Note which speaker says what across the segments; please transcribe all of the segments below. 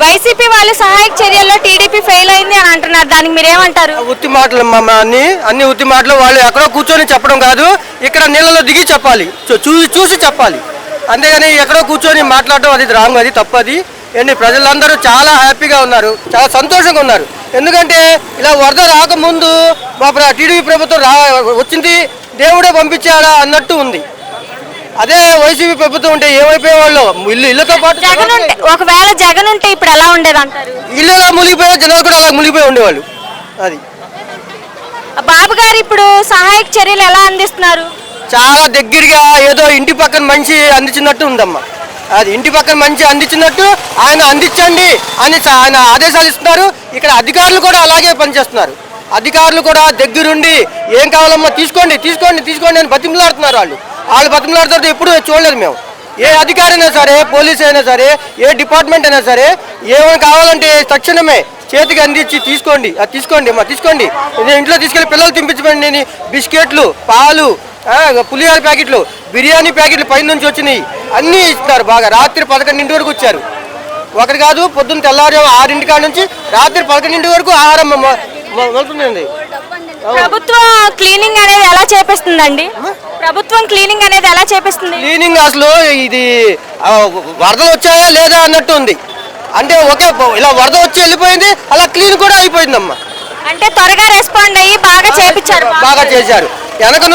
Speaker 1: YCP వాళ్ళు సహాయక చర్యల్లో టీడీపీ ఫెయిల్ అయింది అని అంటున్నారు, దానికి మీరేమంటారు?
Speaker 2: ఉత్తి మాటలు అన్ని ఉత్తి మాటలు. వాళ్ళు ఎక్కడో కూర్చొని చెప్పడం కాదు, ఇక్కడ నీళ్ళలో దిగి చెప్పాలి, చూసి చెప్పాలి. అంతేగాని ఎక్కడో కూర్చొని మాట్లాడడం అది రాంగ్, అది తప్పది. ఏంటి ప్రజలందరూ చాలా హ్యాపీగా ఉన్నారు, చాలా సంతోషంగా ఉన్నారు. ఎందుకంటే ఇలా వరద రాకముందు మా టీడీపీ ప్రభుత్వం వచ్చింది, దేవుడే పంపించాడా అన్నట్టు ఉంది. అదే వైసీపీ ప్రభుత్వం ఉంటే ఏమైపోయేవాళ్ళు, ఇళ్ళతో పాటు
Speaker 1: ఒకవేళ జగన్ ఉంటే ఇప్పుడు ఎలా ఉండేది అంటారు?
Speaker 2: ఇల్లు ఎలా మునిగిపోయా, జనాలు కూడా అలా మునిగిపోయి ఉండేవాళ్ళు. అది
Speaker 1: బాబు గారు ఇప్పుడు సహాయక చర్యలు ఎలా అందిస్తున్నారు?
Speaker 2: చాలా దగ్గరగా ఏదో ఇంటి పక్కన మంచి అందించినట్టు ఉందమ్మా. అది ఇంటి పక్కన మంచి అందించినట్టు ఆయన అందించండి అని ఆయన ఆదేశాలు ఇస్తున్నారు. ఇక్కడ అధికారులు కూడా అలాగే పనిచేస్తున్నారు. అధికారులు కూడా దగ్గరుండి ఏం కావాలమ్మా తీసుకోండి తీసుకోండి తీసుకోండి అని బతిమలాడుతున్నారు. వాళ్ళు బతిమలాడుతుంటే ఎప్పుడు చూడలేదు మేము. ఏ అధికారి అయినా సరే, పోలీస్ అయినా సరే, ఏ డిపార్ట్మెంట్ అయినా సరే, ఏమైనా కావాలంటే తక్షణమే చేతికి అందించి తీసుకోండి, అది తీసుకోండి అమ్మా తీసుకోండి, ఇంట్లో తీసుకెళ్ళి పిల్లలు తినిపించండి. బిస్కెట్లు, పాలు, పులిహార ప్యాకెట్లు, బిర్యానీ ప్యాకెట్లు పైన నుంచి వచ్చినాయి అన్నీ ఇస్తున్నారు. బాగా రాత్రి 11 వరకు వచ్చారు. ఒకటి కాదు, పొద్దున్న తెల్లారి 6 కాడ నుంచి రాత్రి 11 వరకు ఆహారం వెళ్తుందండి.
Speaker 1: ప్రభుత్వం క్లీనింగ్ అనేది ఎలా చేపిస్తుందండి? ప్రభుత్వం క్లీనింగ్ అనేది ఎలా చేపిస్తుంది?
Speaker 2: క్లీనింగ్ అసలు ఇది వరదలు వచ్చాయా లేదా అన్నట్టు ఉంది. అంటే ఒకే ఇలా వరద వచ్చి వెళ్ళిపోయింది, అలా క్లీన్ కూడా అయిపోయిందమ్మా.
Speaker 1: అంటే త్వరగా రెస్పాండ్ అయ్యి బాగా చేపించారు.
Speaker 2: బాగా చేశారు. వెనక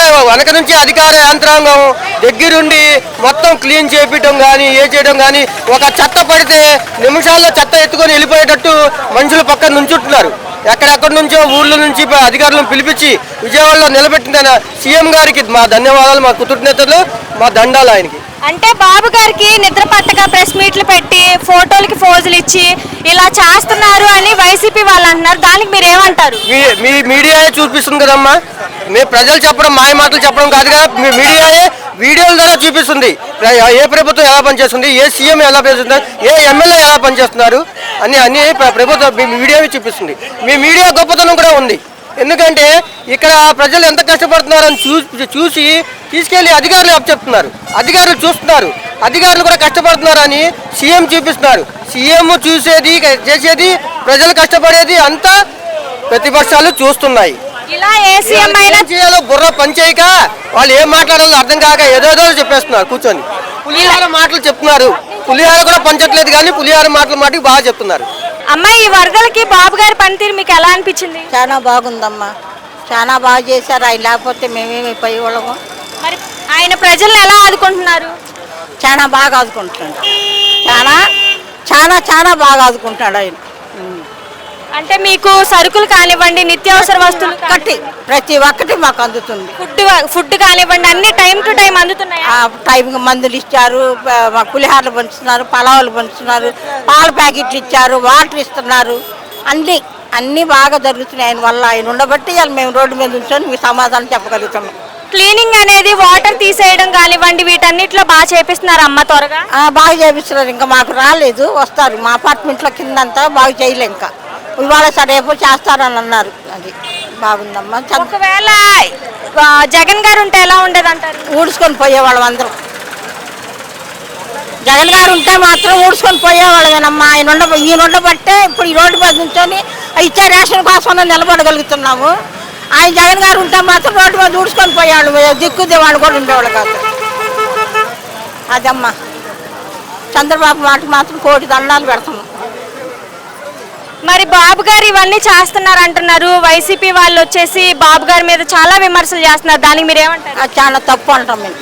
Speaker 2: నుంచి అధికార యంత్రాంగం దగ్గరుండి మొత్తం క్లీన్ చేపించడం కానీ, చేయడం కానీ, ఒక చెత్త పడితే నిమిషాల్లో చెత్త ఎత్తుకొని వెళ్ళిపోయేటట్టు మనుషులు పక్కన నుంచుంటున్నారు. ఎక్కడెక్కడి నుంచో ఊళ్ళ నుంచి అధికారులను పిలిపించి విజయవాడలో నిలబెట్టిన సీఎం గారికి మా ధన్యవాదాలు, మా కృతజ్ఞతలు, మా దండాలు ఆయనకి.
Speaker 1: అంటే బాబు గారికి నిద్ర పట్టక ప్రెస్ మీట్లు పెట్టి ఫోటోలకి ఫోజులు ఇచ్చి ఇలా చేస్తున్నారు అని వైసీపీ వాళ్ళు అంటున్నారు, దానికి మీరు ఏమంటారు?
Speaker 2: మీ మీడియాయే చూపిస్తుంది కదమ్మా. మీ ప్రజలు చెప్పడం, మాయ మాటలు చెప్పడం కాదు కదా, మీ మీడియాయే వీడియోల ద్వారా చూపిస్తుంది. ఏ ప్రభుత్వం ఎలా పనిచేస్తుంది, ఏ సీఎం ఎలా పనిచేస్తున్నారు, ఏ ఎమ్మెల్యే ఎలా పనిచేస్తున్నారు అన్ని ప్రభుత్వం మీడియావే చూపిస్తుంది. మీ మీడియా గొప్పతనం కూడా ఉంది. ఎందుకంటే ఇక్కడ ప్రజలు ఎంత కష్టపడుతున్నారని చూసి తీసుకెళ్లి అధికారులు అప్పచెప్తున్నారు. అధికారులు చూస్తున్నారు, అధికారులు కూడా కష్టపడుతున్నారని సీఎం చూపిస్తున్నారు. సీఎం చూసేది చేసేది, ప్రజలు కష్టపడేది అంతా ప్రతిపక్షాలు చూస్తున్నాయి.
Speaker 1: ఇలా ఏ సీఎం అయినా
Speaker 2: చేయాలో బుర్ర పనిచేయక వాళ్ళు ఏం మాట్లాడాలో అర్థం కాక ఏదో చెప్పేస్తున్నారు కూర్చొని. పులిహార మాటలు చెప్తున్నారు, పులిహార కూడా పంచట్లేదు కానీ పులిహార మాటలు బాగా చెప్తున్నారు.
Speaker 1: అమ్మ, ఈ వరదలకి బాబు గారి పనితీరు మీకు ఎలా అనిపించింది?
Speaker 3: చాలా బాగుందమ్మా, చాలా బాగా చేశారు. ఆయన లేకపోతే మేమేమి పోయేవాళ్ళము.
Speaker 1: మరి ఆయన ప్రజల్ని ఎలా ఆదుకుంటున్నారు?
Speaker 3: చాలా బాగా ఆదుకుంటున్నాడు, చాలా చాలా చాలా బాగా ఆదుకుంటాడు ఆయన.
Speaker 1: అంటే మీకు సరుకులు కానివ్వండి, నిత్యావసర వస్తువులు
Speaker 3: ప్రతి ఒక్కటి మాకు అందుతుంది.
Speaker 1: ఫుడ్ కానివ్వండి, అన్ని టైం టు టైం అందుతున్నాయి.
Speaker 3: టైంకి మందులు ఇచ్చారు, పులిహారలు పంచుతున్నారు, పలావులు పంచుతున్నారు, పాల ప్యాకెట్లు ఇచ్చారు, వాటర్ ఇస్తున్నారు. అన్నీ బాగా జరుగుతున్నాయి ఆయన వల్ల. ఆయన ఉండబట్టి మేము రోడ్డు మీద ఉంచుకొని మీకు సమాధానం చెప్పగలుగుతున్నాం.
Speaker 1: క్లీనింగ్ అనేది వాటర్ తీసేయడం కానివ్వండి, వీటన్నిటిలో బాగా చేపిస్తున్నారు అమ్మ త్వరగా?
Speaker 3: బాగా చేపిస్తున్నారు. ఇంకా మాకు రాలేదు, వస్తారు. మా అపార్ట్మెంట్లో కిందంతా బాగా చేయలే, ఇంకా ఇవాళ రేపు చేస్తారని అన్నారు. అది బాగుందమ్మా.
Speaker 1: ఒకవేళ జగన్ గారు ఉంటే ఎలా ఉండేది అంటారు?
Speaker 3: ఊడ్చుకొని పోయేవాళ్ళం అందరం. జగన్ గారు ఉంటే మాత్రం ఊడ్చుకొని పోయేవాళ్ళమేనమ్మా. ఈయన ఉండబట్టే ఇప్పుడు ఈ రోడ్డు మీద నుంచొని ఇచ్చే రేషన్ కోసం నిలబడగలుగుతున్నాము. ఆయన జగన్ గారు ఉంటే మాత్రం రోడ్డు మీద ఊడ్చుకొని పోయేవాళ్ళు, దిక్కుదే వాళ్ళు కూడా ఉండేవాళ్ళు కాదు. అదమ్మా, చంద్రబాబు మాట మాత్రం కోటి దండాలు పెడతాము.
Speaker 1: మరి బాబు గారు ఇవన్నీ చేస్తున్నారు అంటున్నారు, వైసీపీ వాళ్ళు వచ్చేసి బాబు గారి మీద చాలా విమర్శలు చేస్తున్నారు, దానికి మీరు ఏమంటారు?
Speaker 3: అది చాలా తప్పు అంటాం మేము.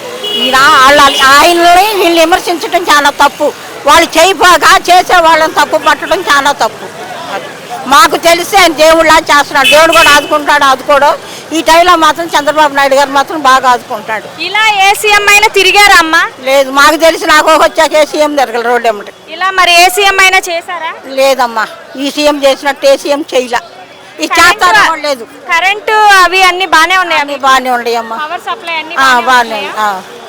Speaker 3: ఆయనని వీళ్ళు విమర్శించడం చాలా తప్పు. వాళ్ళు చేయపోగా చేసే వాళ్ళని తప్పు పట్టడం చాలా తప్పు. మాకు తెలిసి ఆయన దేవుళ్ళ చేస్తున్నాడు, దేవుడు కూడా ఆదుకోవడం. ఈ టైంలో మాత్రం చంద్రబాబు నాయుడు గారు మాత్రం బాగా ఆదుకుంటాడు.
Speaker 1: ఇలా ఏ సీఎం అయినా తిరిగారా అమ్మ?
Speaker 3: లేదు, మాకు తెలిసి నాకు వచ్చాక ఏ సీఎం తిరగల రోడ్డు ఎమ్మటి.
Speaker 1: ఇలా మరి ఏ సీఎం అయినా చేశారా?
Speaker 3: లేదమ్మా, ఈ సీఎం చేసినట్టు ఏ సీఎం చేయలే. ఇది చేస్తారా లేదు.
Speaker 1: కరెంటు అవి అన్ని బాగానే ఉన్నాయి,
Speaker 3: బాగానే ఉన్నాయమ్మా,
Speaker 1: పవర్ సప్లై అన్ని
Speaker 3: బాగానే.